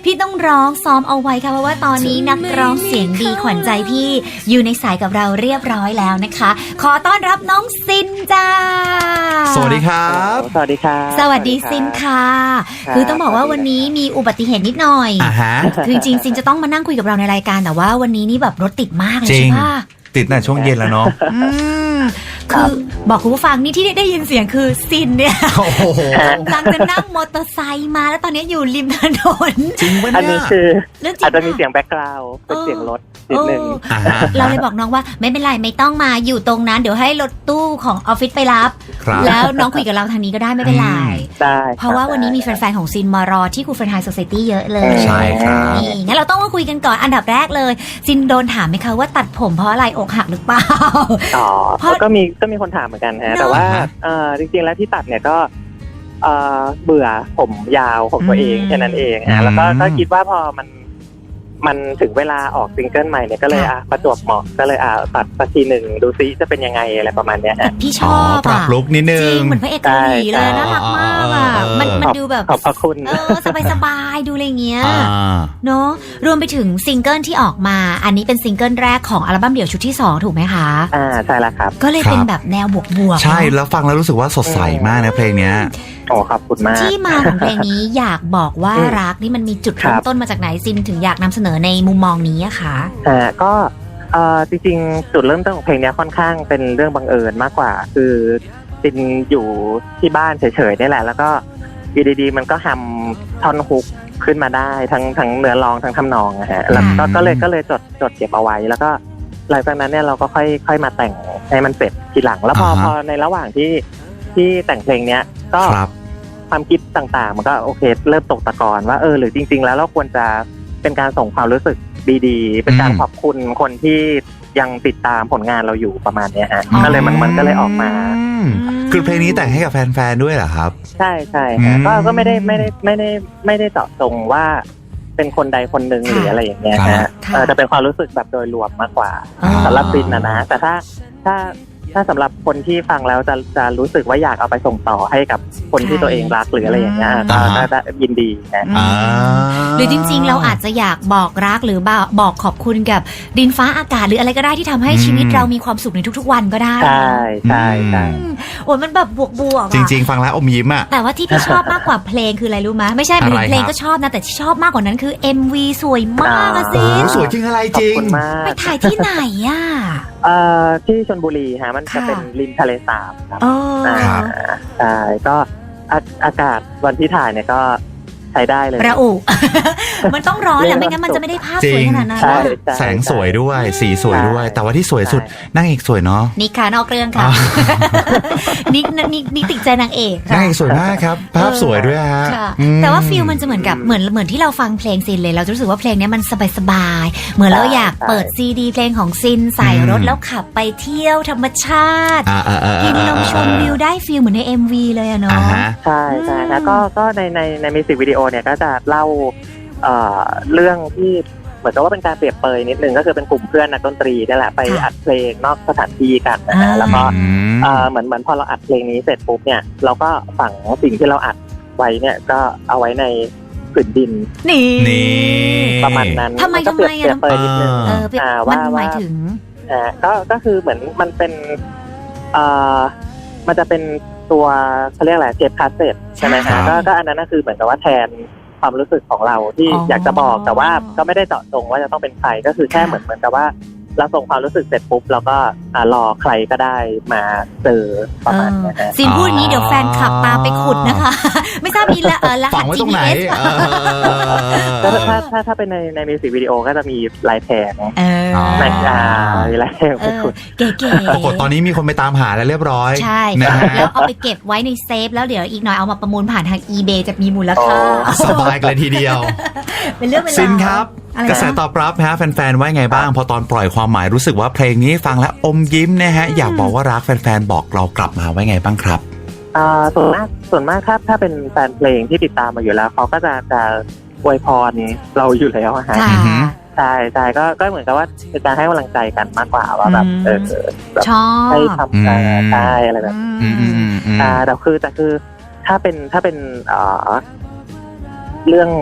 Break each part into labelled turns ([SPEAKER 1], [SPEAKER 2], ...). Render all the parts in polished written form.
[SPEAKER 1] พี่ต้องร้องซ้อมเอาไว้ค่ะเพราะว่าตอนนี้นักร้องเสียงดีขวัญใจพี่อยู่ในสายกับเราเรียบร้อยแล้วนะคะขอต้อนรับน้องซินจ้า
[SPEAKER 2] สวัสดีครับ
[SPEAKER 3] สวัสดีครับ
[SPEAKER 1] สวัสดีซินค่ะคือต้องบอกว่าวันนี้มีอุบัติเหตุนิดหน่อยคือจริงๆซินจะต้องมานั่งคุยกับเราในรายการแต่ว่าวันนี้นี่แบบรถติดมากเลยใช่ปะ
[SPEAKER 2] ติดน่ะช่วงเย็นแล้วเนาะ
[SPEAKER 1] คือบอกคุณผู้ฟังนี่ที่ได้ยินเสียงคือซินเนี่ยกำลังจะนั่งมอเตอร์ไซค์มาแล้วตอนนี้อยู่ริมถนน
[SPEAKER 2] จริงปะเนี่ย
[SPEAKER 3] อันนี้คืออาจจะมีเสียงแบ็คกราวด์เป็นเสียงรถนิดนึง
[SPEAKER 1] เราเลยบอกน้องว่าไม่เป็นไรไม่ต้องมาอยู่ตรงนั้นเดี๋ยวให้รถตู้ของออฟฟิศไปรับแล้วน้องคุยกับเราทางนี้ก็ได้ไม่เป็นไร
[SPEAKER 3] ได้
[SPEAKER 1] เพราะว่าวันนี้มีแฟนๆของซินมารอที่คูเฟนไฮโซไซตี้เยอะเลย
[SPEAKER 2] ใช่ครับ
[SPEAKER 1] นี่งั้นเราต้องมาคุยกันก่อนอันดับแรกเลยซินโดนถามไหมคะว่าตัดผมเพราะอะไรอกหักหรือเปล่า
[SPEAKER 3] ก็มีคนถามเหมือนกันฮะแต่ว่าจริงๆแล้วที่ตัดเนี่ยก็เบื่อผมยาวของตัวเองแค่นั้นเองฮะแล้วก็คิดว่าพอมันถึงเวลาออกซิงเกิลใหม่เนี่ยก็เลยประจวบเหมาะก็เลยตัดสักทีหนึ่งดูซิจะเป็นยังไงอะไรประมาณเนี้ย
[SPEAKER 1] พี่ชอบ
[SPEAKER 2] ปรับลุคนิดนึง
[SPEAKER 1] จริงเหมือนพระเอกเกาหลีเลยน่ารักมากอ่ะมันดูแบบ
[SPEAKER 3] ขอบพระคุณ
[SPEAKER 1] สบายๆดูอะไรเงี้ยเนาะรวมไปถึงซิงเกิลที่ออกมาอันนี้เป็นซิงเกิลแรกของอัลบั้มเดี่ยวชุดที่2ถูกไหมคะ
[SPEAKER 3] ใช่แล้วครับ
[SPEAKER 1] ก็เลยเป็นแบบแนวบวก
[SPEAKER 2] ๆใช่แล้วฟังแล้วรู้สึกว่าสดใสมากนะเพลงเนี้ย
[SPEAKER 3] ขอบคุณมาก
[SPEAKER 1] ที่มาของเพลงนี้อยากบอกว่ารักนี่มันมีจุดเริ่มต้นมาจากไหนซินถึงอยากนำเสนอในมุมมองนี้อะคะ
[SPEAKER 3] ก็จริงๆจุดเริ่มต้นของเพลงนี้ค่อนข้างเป็นเรื่องบังเอิญมากกว่าคือซินอยู่ที่บ้านเฉยๆนี่แหละแล้วก็อยู่ดีๆมันก็ทำท่อนฮุกขึ้นมาได้ทั้งเนื้อร้องทั้งทำนองนะฮะแล้วก็เลยจดเก็บเอาไว้แล้วก็หลังจากนั้นเนี่ยเราก็ค่อยมาแต่งให้มันเสร็จทีหลังแล้วพอในระหว่างที่แต่งเพลงเนี้ยก็ความคิดต่างๆมันก็โอเคเริ่มตกตะกอนว่าหรือจริงๆแล้วเราควรจะเป็นการส่งความรู้สึกดีๆเป็นการขอบคุณคนที่ยังติดตามผลงานเราอยู่ประมาณนี้ฮะก็เลยมันก็เลยออกมา
[SPEAKER 2] คือเพลงนี้แต่งให้กับแฟนๆด้วยเหรอครับ
[SPEAKER 3] ใช่ก็ไม่ได้เจาะจงว่าเป็นคนใดคนหนึ่งหรืออะไรอย่างเงี้ยฮะจะเป็นความรู้สึกแบบโดยรวมมากกว่าสำหรับซินนะแต่ถ้าสำหรับคนที่ฟังแล้วจะรู้สึกว่าอยากเอาไปส่งต่อให้กับคนที่ตัวเองรักหรืออะไรอย่างเงี้ยก็จะยินดีนะ
[SPEAKER 1] หรือจริงๆเราอาจจะอยากบอกรักหรือบอกขอบคุณกับดินฟ้าอากาศหรืออะไรก็ได้ที่ทำให้ชีวิตเรามีความสุขในทุกๆวันก็ได้
[SPEAKER 3] ใช่
[SPEAKER 1] โอ้ยมันแบบบวก
[SPEAKER 2] จริงๆฟังแล้วอมยิ้มอ่ะ
[SPEAKER 1] แต่ว่าที่พี่ชอบมากกว่าเพลงคืออะไรรู้ไหมไม่ใช่เพลงก็ชอบนะแต่ที่ชอบมากกว่านั้นคือ MV สวยมากอะซิ
[SPEAKER 2] สวยจริงอะไรจริง
[SPEAKER 1] ไปถ่ายที่ไหนอ่ะ
[SPEAKER 3] ที่ชลบุรีฮะมันจะเป็นริมทะเลสาบครับใช่ก็อากาศวันที่ถ่ายเนี่ยก็ใช้ได้เลย
[SPEAKER 1] ระอุมันต้องร้อนแหละไม่งั้นมันจะไม่ได้ภาพสวยขนาดนั้น
[SPEAKER 2] แสงสวยด้วยสีสวยด้วยแต่ว่าที่สวยสุดนางเอกสวยเนาะ
[SPEAKER 1] นิกค่ะนอกเรื่องค่ะนิกติดใจนางเอก
[SPEAKER 2] นางเอกสวยมากครับภาพสวยด้วยฮะ
[SPEAKER 1] แต่ว่าฟีลมันจะเหมือนกับเหมือนที่เราฟังเพลงซินเลยเราจะรู้สึกว่าเพลงนี้มันสบายๆเหมือนเราอยากเปิดซีดีเพลงของซินใส่รถแล้วขับไปเที่ยวธรรมชาติกินลมชมวิวได้ฟีลเหมือนใน MV เลยอะเนาะ
[SPEAKER 3] ใช่แล้วก็ในมิวสิกวิดีโอเนี่ยก็จะเล่าเรื่องที่เหมือนกับว่าเป็นการเปรียบเปยนิดนึงก็คือเป็นกลุ่มเพื่อนนักดนตรีนี่แหละไปอัดเพลงนอกสถานที่กันนะแล้วก็เหมือนพอเราอัดเพลงนี้เสร็จปุ๊บเนี่ยเราก็ฝังสิ่งที่เราอัดไว้เนี่ยก็เอาไว้ในผืนดิน
[SPEAKER 1] นี่
[SPEAKER 3] ประมาณนั้น
[SPEAKER 1] ทำไม
[SPEAKER 3] เปรียบเปยนิดนึง
[SPEAKER 1] ว่าหมายถึง
[SPEAKER 3] ก็คือเหมือนมันเป็นมันจะเป็นตัวเขาเรียกอะไรเทปคาสเซ็ตใช่ไหมคะก็อันนั้นก็คือเหมือนกับว่าแทนความรู้สึกของเราที่อยากจะบอกแต่ว่าก็ไม่ได้เจาะจงว่าจะต้องเป็นใครก็คือแค่เหมือนกับว่าเราส่งความรู้สึกเสร็จปุ๊บเราก็รอใครก็ได้มาเจอประมาณนี้นะ
[SPEAKER 1] ซินพูดงี้เดี๋ยวแฟนคลับตามไปขุดนะคะไม่ทราบมีรหัส GPS
[SPEAKER 3] ถ้าเป็นในมิวสิกวิดีโอก็จะมีลายแทงมีลายแทงไปขุด
[SPEAKER 1] เก๋ๆ
[SPEAKER 2] ปรากฏตอนนี้มีคนไปตามหาแล้วเรียบร้อย
[SPEAKER 1] ใช่แล้วเอาไปเก็บไว้ในเซฟแล้วเดี๋ยวอีกหน่อยเอามาประมูลผ่านทาง eBay จะมีมูลค่า
[SPEAKER 2] สบายเลยทีเดียว
[SPEAKER 1] เป็นเรื่องเวลา
[SPEAKER 2] ซินครับกระแสตอบรับฮะแฟนๆว่าไงบ้างพอตอนปล่อยความหมายรู้สึกว่าเพลงนี้ฟังแล้วอมยิ้มนะฮะอยากบอกว่ารักแฟนๆบอกเรากลับมาไว้ไงบ้างครับ
[SPEAKER 3] ส่วนมากครับถ้าเป็นแฟนเพลงที่ติดตามมาอยู่แล้วเขาก็จะอวยพรเราอยู่แล้วฮะใช่ก็เหมือนกับว่าเป็นการให้กำลังใจกันมากกว่าว่าแบบ
[SPEAKER 1] ชอบ
[SPEAKER 3] ให้ทำได้อะไรแบบแต่คือถ้าเป็นเรื่อง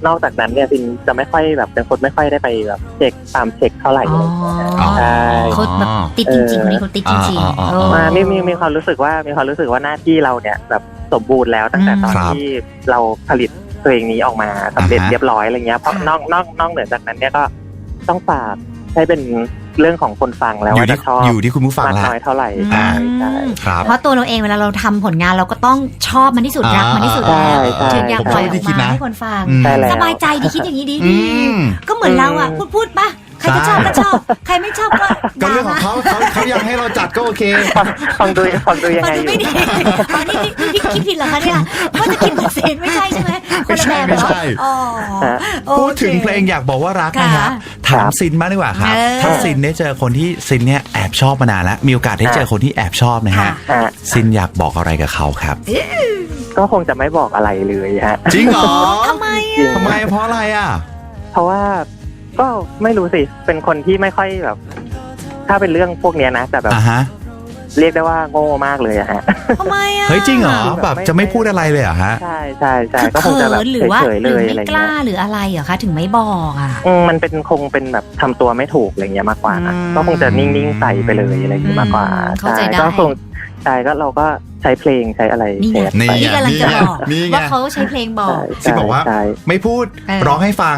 [SPEAKER 3] นอกจากนั้นเนี่ยซินจะไม่ค่อยแบบเป็นคนไม่ค่อยได้ไปแบบเช็คตามเช็คเท่าไหร่
[SPEAKER 1] อ๋อ
[SPEAKER 3] ใช่
[SPEAKER 1] เขาแบบติดจริงๆคนนี้เขาติดจริงๆเออ
[SPEAKER 3] มีความรู้สึกว่าหน้าที่เราเนี่ยแบบสมบูรณ์แล้วตั้งแต่ตอน
[SPEAKER 2] ครับ
[SPEAKER 3] ที่เราผลิตเพลงนี้ออกมาสำเร็จเรียบร้อยอะไรเงี้ยเพราะนอกเหนือจากนั้นเนี่ยก็ต้องฝากให้เป็นเรื่องของคนฟังแล้ว
[SPEAKER 2] อยู่
[SPEAKER 3] ว่า
[SPEAKER 2] ที่
[SPEAKER 3] จะชอบ
[SPEAKER 2] อยู่ที่คุณผู้ฟัง
[SPEAKER 3] มาก
[SPEAKER 2] ละ
[SPEAKER 3] น้อยเท่าไหร่
[SPEAKER 2] อ่า
[SPEAKER 3] ใช่
[SPEAKER 2] ครับ
[SPEAKER 1] เพราะตัวเราเองเวลาเราทำผลงานเราก็ต้องชอบมันที่สุดรักมันที่สุดแล้ว
[SPEAKER 3] ใช่
[SPEAKER 1] ถึงอยากปล่อยอ
[SPEAKER 2] ผมก็ไม่ได้
[SPEAKER 1] อก
[SPEAKER 2] คิด
[SPEAKER 1] มา
[SPEAKER 2] นะ
[SPEAKER 1] ให้คนฟัง
[SPEAKER 2] อืม
[SPEAKER 3] ใช่แล้ว
[SPEAKER 1] สบายใจดีคิดอย่างนี้ดี
[SPEAKER 2] อื
[SPEAKER 1] ดี
[SPEAKER 2] ม
[SPEAKER 1] ก็เหมือนเราอ่ะพูดปะใครก็ชอบก็ชอบ ใครไม่ชอบก็
[SPEAKER 2] ก็เรื่องของเขาอยากให้เราจัดก็โอเค
[SPEAKER 3] ฟังดูยัง
[SPEAKER 1] ฟั
[SPEAKER 3] ไง
[SPEAKER 1] ง
[SPEAKER 3] อ
[SPEAKER 1] ดู
[SPEAKER 3] ยู่
[SPEAKER 1] ไม่ดีอ๋อนี่คิดผิดเหรอคะเนี่ยว่าจะคิดเหมือนเซนไม่ใช่ใช่ไหมคนละแบบเหรอ
[SPEAKER 2] ไม่ใช่
[SPEAKER 1] อ๋อโอค
[SPEAKER 2] พูดถึงเพลงอยากบอกว่ารักนะครับ ถามซินมากดีกว่าครับ
[SPEAKER 1] เออ
[SPEAKER 2] ถ้าซินได้เจอคนที่ซินเนี่ยแอบชอบมานานแล้ว มีโอกาสได้เจอคนที่แอบชอบนะฮะ
[SPEAKER 1] ค่ะ
[SPEAKER 3] ฮะ
[SPEAKER 2] ซินอยากบอกอะไรกับเขาครับ
[SPEAKER 3] ก็คงจะไม่บอกอะไรเลยฮะ
[SPEAKER 2] จริงเหรอ
[SPEAKER 1] ทำไม
[SPEAKER 3] จริง
[SPEAKER 1] อ่ะ
[SPEAKER 2] ทำไมเพราะอะไรอ่ะ
[SPEAKER 3] เพราะว่าก็ไม่รู้สิเป็นคนที่ไม่ค่อยแบบ ถ้าเป็นเรื่องพวกเนี้ยนะแต่แบบ
[SPEAKER 2] อ่ะฮะ
[SPEAKER 3] เรียกได้ว่าโง่มากเลยอะฮะ
[SPEAKER 1] ทำไมอ่ะ
[SPEAKER 2] เฮ้ยจริงเหรอแบบจะไม่พูดอะไรเลยเหรอฮะ
[SPEAKER 3] ใช่ใช่ใช่
[SPEAKER 1] คือ
[SPEAKER 3] ก็คงจะแบบ
[SPEAKER 1] เขินหรือว่า
[SPEAKER 3] เฉยๆ
[SPEAKER 1] ห
[SPEAKER 3] เล
[SPEAKER 1] รือย ไม่
[SPEAKER 3] อะไร
[SPEAKER 1] กล้า
[SPEAKER 3] เงี้ย
[SPEAKER 1] หรืออะไรเหรอคะถึงไม่บอกอ่ะ
[SPEAKER 3] มันเป็นคงเป็นแบบทำตัวไม่ถูกอะไรเงี้ยมากกว่านะ
[SPEAKER 2] อืม
[SPEAKER 3] ก็คงจะนิ่งๆใส่ไปเลยอะไรเงี้ยมากกว่า
[SPEAKER 1] เข้าใจได้
[SPEAKER 3] ก็คงใช่ก็เราก็ใช้เพลงใช้อะไร
[SPEAKER 1] นี่ไง
[SPEAKER 3] แชร์ไป
[SPEAKER 1] นี่กำลังจะบอก
[SPEAKER 2] นี่ไง
[SPEAKER 1] ว่าเขาใช้เพลงบอก
[SPEAKER 2] ซินบอกว่า
[SPEAKER 3] ใช่
[SPEAKER 2] ไม่พูด
[SPEAKER 1] เออ
[SPEAKER 2] ร้องให้ฟัง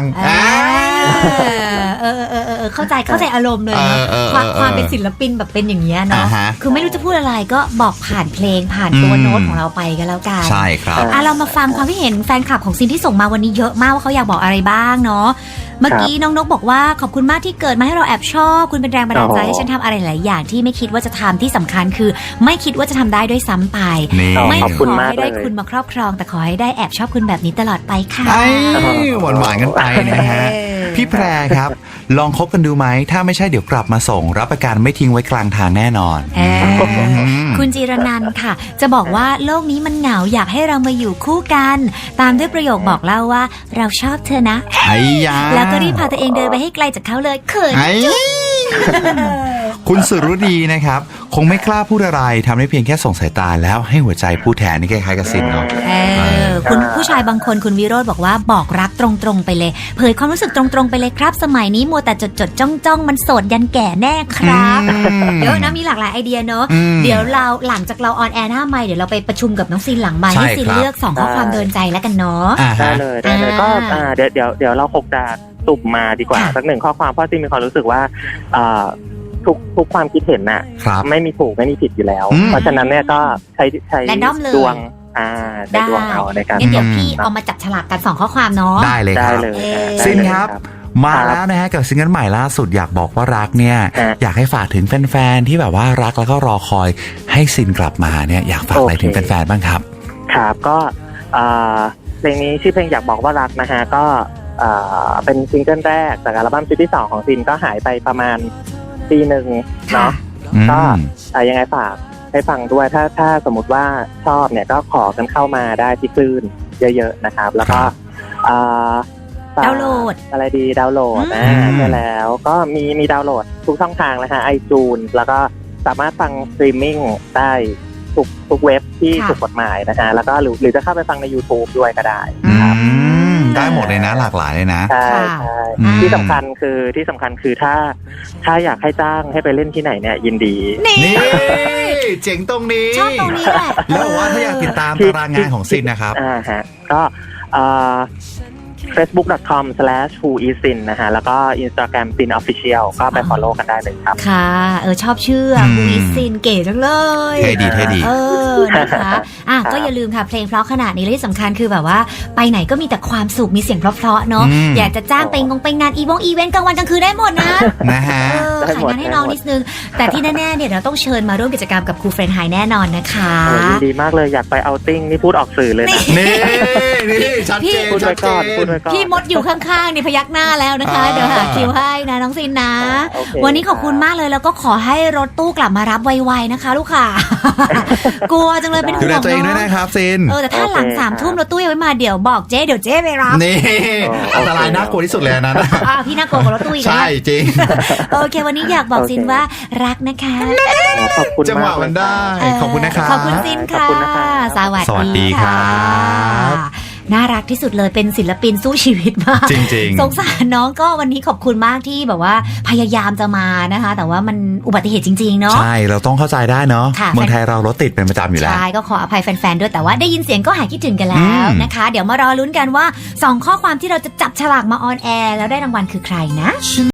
[SPEAKER 1] เข้าใจอารมณ์เลยเนอะ
[SPEAKER 2] เออ
[SPEAKER 1] ความเป็นศิลปินแบบเป็นอย่างเงี้ยเนาะ
[SPEAKER 2] อ่าฮะ
[SPEAKER 1] คือไม่รู้จะพูดอะไรก็บอกผ่านเพลงผ่านตัว
[SPEAKER 2] อืม
[SPEAKER 1] โน้ตของเราไปก็แล้วกัน
[SPEAKER 2] ใช่ครับ
[SPEAKER 1] เรามาฟังความคิดเห็นแฟนคลับของซินที่ส่งมาวันนี้เยอะมากว่าเขาอยากบอกอะไรบ้างเนาะเมื่อกี้น้องนกบอกว่าขอบคุณมากที่เกิดมาให้เราแอบชอบคุณเป็นแรงบันดาลใจให้ฉันทำอะไรหลายอย่างที่ไม่คิดว่าจะทำที่สำคัญคือ ไม่คิดว่าจะทำได้ด้วยซ้ำไป
[SPEAKER 2] นี่
[SPEAKER 3] อ๋อ
[SPEAKER 1] ไม่
[SPEAKER 3] ขอบ
[SPEAKER 1] ข
[SPEAKER 3] คุณ
[SPEAKER 1] อ
[SPEAKER 3] มาก
[SPEAKER 1] ให้ได้
[SPEAKER 3] เลย
[SPEAKER 1] คุณมาครอบครอง แต่ขอให้ได้แอบชอบคุณแบบนี้ตลอดไปค่ะ
[SPEAKER 2] ไอ้หวานๆกันไปนะฮะ พี่แพรครับ ลองคบกันดูไหม ถ้าไม่ใช่เดี๋ยวกลับมาส่ง รับประกันไม่ทิ้งไว้กลางทางแน่นอน
[SPEAKER 1] คุณจิรนันท์ค่ะ จะบอกว่าโลกนี้มันเหงาอยากให้เรามาอยู่คู่กัน ตามด้วยประโยคบอกเล่าว่าเราชอบเธอนะ
[SPEAKER 2] ไอ้ยา
[SPEAKER 1] แล้วก็รีบพาตัวเองเดินไปให้ไกลจากเขาเลยเขิน
[SPEAKER 2] ไอ้คุณสุรุดีนะครับ คงไม่กล้าพูดอะไรทำได้เพียงแค่ส่งสายตาแล้วให้หัวใจพูดแทนนี่คล้ายๆกับซินเนาะ
[SPEAKER 1] คุณผู้ชายบางคนคุณวิโรจน์บอกว่าบอกรักตรงๆไปเลย เผยความรู้สึกตรงๆไปเลยครับ สมัยนี้มัวแต่จดจ้องมันโสดยันแก่แน่ครับเยอะนะมีหลากหลายไอเดียเนอะ
[SPEAKER 2] อืม
[SPEAKER 1] เดี๋ยวเราหลังจากเราออนแอร์หน้าไมค์เดี๋ยวเราไปประชุมกับน้องซินหลังไมค์
[SPEAKER 2] ใช่
[SPEAKER 1] ให้ซิน
[SPEAKER 2] ครับ
[SPEAKER 1] เลือก2ข้อความโดนใจแล้วกันเนาะ
[SPEAKER 2] อ่า
[SPEAKER 3] ได้
[SPEAKER 2] ฮะ
[SPEAKER 3] เลยได้เลย
[SPEAKER 1] อ่า
[SPEAKER 3] ก็เดี๋ยวเราคงจะสุ่มมาดีกว่า
[SPEAKER 1] ค่ะ
[SPEAKER 3] สักหนึ่งข้อความเพราะซิมีความรู้สึกว่าทุกความคิดเห็นน่ะ
[SPEAKER 2] ครับ
[SPEAKER 3] ไม่มีถูกไม่มีผิดอยู่แล้ว
[SPEAKER 2] อืม
[SPEAKER 3] เพราะฉะนั้นเนี่ยก็ใช้
[SPEAKER 1] Random เลย
[SPEAKER 3] ดวงใช้ดวงเอาในการ
[SPEAKER 1] งั้นเดี๋ยว
[SPEAKER 2] อืม
[SPEAKER 1] พี่เอามาจับฉลากกัน2ข้อความเนาะ
[SPEAKER 2] ได้เลยค
[SPEAKER 3] ได้
[SPEAKER 2] รับ
[SPEAKER 3] เลย
[SPEAKER 1] เออ
[SPEAKER 3] ได้
[SPEAKER 2] ซิน
[SPEAKER 3] เลย
[SPEAKER 2] ครับ มาแล้วนะฮะกับซิงเกิลใหม่ล่าสุดอยากบอกว่ารักเนี่ย
[SPEAKER 3] ฮะ
[SPEAKER 2] อยากให้ฝากถึงแฟนๆที่แบบว่ารักแล้วก็รอคอยให้ซินกลับมาเนี่ยอยากฝากอะไร
[SPEAKER 3] โอเค
[SPEAKER 2] ถึงแฟนๆบ้างครับ
[SPEAKER 3] ครับก็เพลงนี้ชื่อเพลงอยากบอกว่ารักนะฮะก็เป็นซิงเกิลแรกจากอัลบั้มชุดที่ 2 ของซินก็หายไปประมาณปีหนึ่งเนาะ ก็ ยังไงฝากให้ฟังด้วยถ้าสมมติว่าชอบเนี่ยก็ขอกันเข้ามาได้ที่คลื่นเยอะๆนะครับ แล้วก็ฝก
[SPEAKER 1] ดาวน์โหลด
[SPEAKER 3] อะไรดีดาวน์โหลด
[SPEAKER 2] อืม
[SPEAKER 3] ใช่แล้วก็มีดาวน์โหลดทุกช่องทางเลยฮะiTunes แล้วก็สามารถฟังสตรีมมิ่งได้ทุกเว็บที่
[SPEAKER 1] ค่ะ
[SPEAKER 3] ถูกกฎหมายนะฮะแล้วก็หรือจะเข้าไปฟังใน YouTube ด้วยก็ได้
[SPEAKER 2] ได้หมดเลยนะหลากหลายเลยนะ
[SPEAKER 3] ใช่
[SPEAKER 1] ค่ะ
[SPEAKER 3] ใช่
[SPEAKER 2] อืม
[SPEAKER 3] ที่สำคัญคือถ้าอยากให้จ้างให้ไปเล่นที่ไหนเนี่ยยินดี
[SPEAKER 1] นี่
[SPEAKER 2] นี่เจ๋งตรงนี้
[SPEAKER 1] ชอบตรงนี้แหละ
[SPEAKER 2] แล้วบอกว่าถ้าอยากติดตามตารางงานของซินนะครับ
[SPEAKER 3] ฮะก็facebook.com/whoisin นะฮะแล้วก็ Instagram sin official ก็ไป follow กันได้เลยครับ
[SPEAKER 1] ค่ะชอบชื่อ
[SPEAKER 2] อืม
[SPEAKER 1] มูอิซินเก๋จังเลย
[SPEAKER 2] เท่ดีเท่ดี
[SPEAKER 1] นะคะก็อย่าลืมค่ะเพลงเพราะขนาดนี้และที่สำคัญคือแบบว่าไปไหนก็มีแต่ความสุขมีเสียงเพราะๆเนาะ
[SPEAKER 2] อืม
[SPEAKER 1] อยากจะจ้างไปงานอีเวนต์กลางวันกลางคืนได้หมดนะ
[SPEAKER 2] นะฮะ
[SPEAKER 3] ได้
[SPEAKER 1] ขาย
[SPEAKER 3] หมด
[SPEAKER 1] งานให้น้อง
[SPEAKER 3] ได้หมด
[SPEAKER 1] นิดนึง แต่ที่แน่ๆเนี่ยเราต้องเชิญมาร่วมกิจกรรมกับครูเฟรนไฮแน่นอนนะคะ
[SPEAKER 3] ยินดีมากเลยอยากไปเอาติ้งนี่พูดออกสื่อเลยนะ
[SPEAKER 2] นี่ชัดเจน
[SPEAKER 3] พูด
[SPEAKER 2] ชั
[SPEAKER 3] ไว้
[SPEAKER 2] ด
[SPEAKER 3] ก่อน
[SPEAKER 2] เจ
[SPEAKER 3] พูด
[SPEAKER 2] น
[SPEAKER 3] ไว้ก่อน
[SPEAKER 1] พี่มดอยู่ข้างๆนี่พยักหน้าแล้วนะคะ
[SPEAKER 2] อ่า
[SPEAKER 1] เดี๋ยวหาคิวให้นะน้องซินนะ
[SPEAKER 3] โอเค
[SPEAKER 1] วันนี้ขอบคุณมากเลยแล้วก็ขอให้รถตู้กลับมารับไวๆนะคะลูกค่ะ กลัวจังเลยเป็น
[SPEAKER 2] ดู
[SPEAKER 1] ห่
[SPEAKER 2] แล
[SPEAKER 1] วง
[SPEAKER 2] ตัวเองด้วย
[SPEAKER 1] เนาะ
[SPEAKER 2] นะครับซิน
[SPEAKER 1] แต่ถ้าหลัง 3 ทุ่มรถตู้ยังไม่มาเดี๋ยวบอกเจ๊ไปรับ
[SPEAKER 2] นี่อันตรายน่ากลัวที่สุดเลยอันนั้น
[SPEAKER 1] พี่น่ากลัวกว่ารถตู้อีกนะ
[SPEAKER 2] ใช่จริง
[SPEAKER 1] โอเค วันนี้อยากบอกซินว่ารักนะคะ
[SPEAKER 3] ขอบคุณ
[SPEAKER 2] จังหวะ
[SPEAKER 3] ากเลย
[SPEAKER 2] มันได้ ขอบคุณนะครับ
[SPEAKER 1] ขอบคุณซิน
[SPEAKER 3] ขอบ
[SPEAKER 1] ค่ะ
[SPEAKER 3] คุณนะครับ
[SPEAKER 1] สวัส
[SPEAKER 2] สวัสดี
[SPEAKER 1] ดี
[SPEAKER 2] ครั
[SPEAKER 1] ค่ะ
[SPEAKER 2] บ
[SPEAKER 1] น่ารักที่สุดเลยเป็นศิลปินสู้ชีวิตมาก
[SPEAKER 2] จริงๆ
[SPEAKER 1] สงสารน้องก็วันนี้ขอบคุณมากที่แบบว่าพยายามจะมานะคะ แต่ว่ามันอุบัติเหตุจริงๆเนาะ
[SPEAKER 2] ใช่เราต้องเข้าใจได้เนาะ
[SPEAKER 1] ค่ะ
[SPEAKER 2] เมืองไทยเรารถติดเป็นประจำอยู่แล้ว
[SPEAKER 1] ใช่ก็ขออภัยแฟนๆด้วยแต่ว่าได้ยินเสียงก็หายคิดถึงกันแล้วนะคะ เดี๋ยวมารอลุ้นกันว่า2ข้อความที่เราจะจับฉลากมาออนแอร์แล้วได้รางวัลคือใครนะ